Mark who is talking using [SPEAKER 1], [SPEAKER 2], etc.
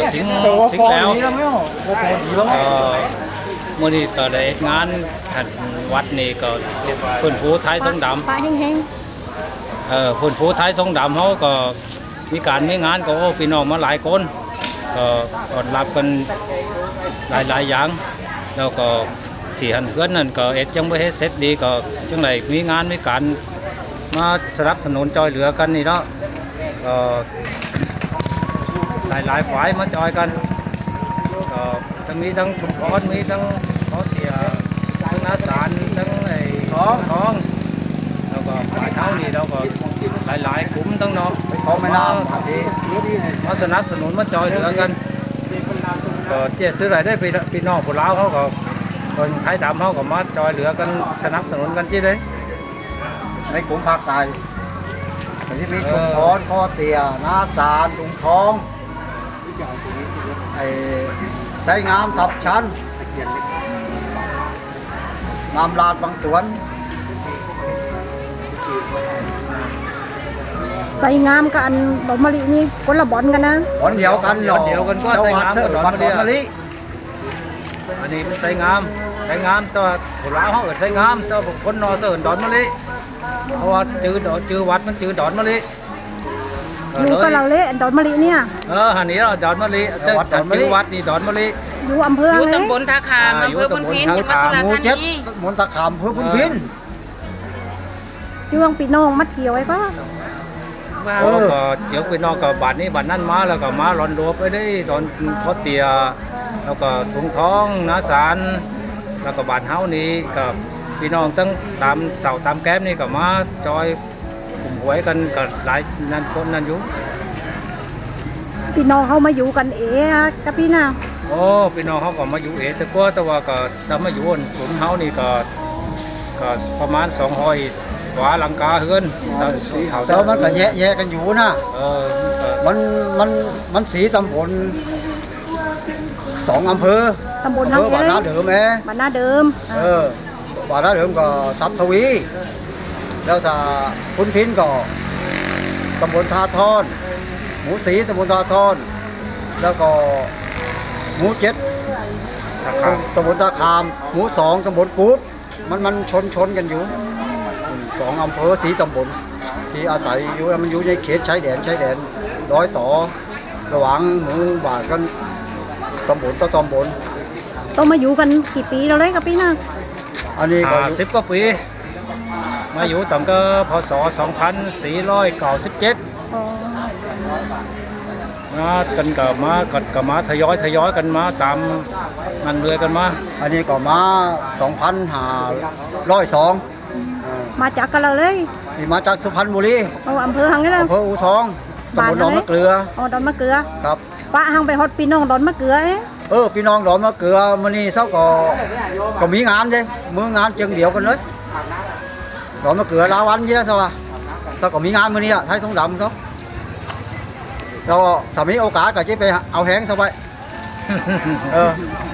[SPEAKER 1] สิงแล้วเมื่อนี้ก็ได้งานวัดนี่ก็ฟื้นฟูท้ายทรงดำฟื้นฟูท้ายทรงดำเขาก็มีการมีงานก็พี่น้องมาหลายคนก็ต้อนรับกันหลายอย่างแล้วก็ที่หันเพื่อนนั่นก็จังไม่ให้เสร็จดีก็จังไรมีงานมีการมาสนับสนุนจอยเหลือกันนี่เนาะก็หลายฝ่ายมาจอยกันก็ทั้งมีทั้งชุมพรมีทั้งเขาเสียทั้งนาสารทั้งไอ้ท้องแล้วก็ฝ่ายเท้านี่เราก็หลายกลุ่มทั้งเนาะเขาไม่น่ามาสนับสนุนมาจอยเหลือกันก็เจ๊ซื้ออะไรได้พี่น้องพวกเราเขาก็คนไทยดำเขาก็มาจอยเหลือกันสนับสนุนกันที่เลย
[SPEAKER 2] ในกลุ่มภาคใต้ที่มีชุมพรข้อเตียนาสารลุงทองไอ้ไซงามทับชั้นงามลาดบางสวน
[SPEAKER 3] ใส่งามกับอันดอกมะลินี่คนละบอนกันนะ
[SPEAKER 2] บอนเดียวกันก็ใส่งามกับดอกมะลิ
[SPEAKER 1] อันนี้เป็นใส่งามตัวผู้ลาวเขาใส่งามตัวคนนอเสริญดอนมะลิเพราะว่าจื้อวัดมันจื้อดอนมะลิ
[SPEAKER 3] อยู่ก็เราเละดอนมะลิเนี่ย
[SPEAKER 1] หันนี้เราดอนมะลิจื้อวัดนี่ดอนมะลิ
[SPEAKER 3] อยู่อำเภอ
[SPEAKER 4] อยู่ตำบลท่าขามอำเภอพุนพินจังหวัดสุราษฎร์ธานี
[SPEAKER 2] ตำบลท่าขามอำเภอพุนพิน
[SPEAKER 3] ช่วงปีน้องมัดเกี่ยวไว้ก็
[SPEAKER 1] ก็เจียวไปนอกกับบาทนี้บาทนั้นมาแล้วก็มาหลอนรัวไปได้หลอนทอดเตียแล้วก็ถุงท้องนาสารแล้วก็บาทเฮานี้กับพี่น้องตั้งตามเสาตามแก้มนี่ก็มาจอยกลุ่มหวยกันกับหลายนั่นคนนั่นอยู่
[SPEAKER 3] พี่น้องเขามาอยู่กันกับพี่น่ะ
[SPEAKER 1] พี่น้องเขาก็มาอยู่แต่ว่าก็จะมาอยู่กลุ่มเฮานี่ก็ประมาณ200กว่าหลังคาเฮือน
[SPEAKER 2] แต่มันก็แยกกันอยู่นะมันสีตำบล2 อำเภอ
[SPEAKER 3] ตำบล
[SPEAKER 2] บ้านนาเดิม
[SPEAKER 3] บ้านนาเดิม
[SPEAKER 2] บ้านนาเดิมก็สับทวีแล้วถ้าพุนพินก็ตำบลท่าทอนหมูสีตำบลท่าทอนแล้วก็หมู7ตำบลท่าขามหมู2ตำบลกูดมันชนกันอยู่2 อำเภอสีตำบลที่อาศัยอยู่มันอยู่ในเขตชายแดนร้อยต่อระหว่างหมู่บ้านกันตำบลต่อตำบล
[SPEAKER 3] ต้องมาอยู่กันกี่ปีเราเลยกับพี่น่ะ
[SPEAKER 1] อันนี้ก็10 กว่าปีมาอยู่ตั้งแต่พ.ศ. 2497มากันก็มาทยอยกันมาตามมันเรือกันมา
[SPEAKER 2] อันนี้ก็มา2502
[SPEAKER 3] มาจากกันเราเลย
[SPEAKER 2] มาจากสุพรรณบุรี
[SPEAKER 3] อำเภอหังนี่เลย
[SPEAKER 2] อำเภออู่ทองตำบลดอนมะเกลือ
[SPEAKER 3] ดอนมะเกลือ
[SPEAKER 2] ครับ
[SPEAKER 3] ป้าหังไปฮอดพี่น้องดอนมะเกลือ
[SPEAKER 2] พี่น้องดอนมะเกลือมื้อนี้เช้าก็มีงานเด้มื้องานจึงเดียวกันเลยดอนมะเกลือลาวันเยอะซะว่าเช้าก็มีงานมื้อนี้ไทยทรงดำเขาเราถ้ามีโอกาสก็จะไปเอาแห้งซะไป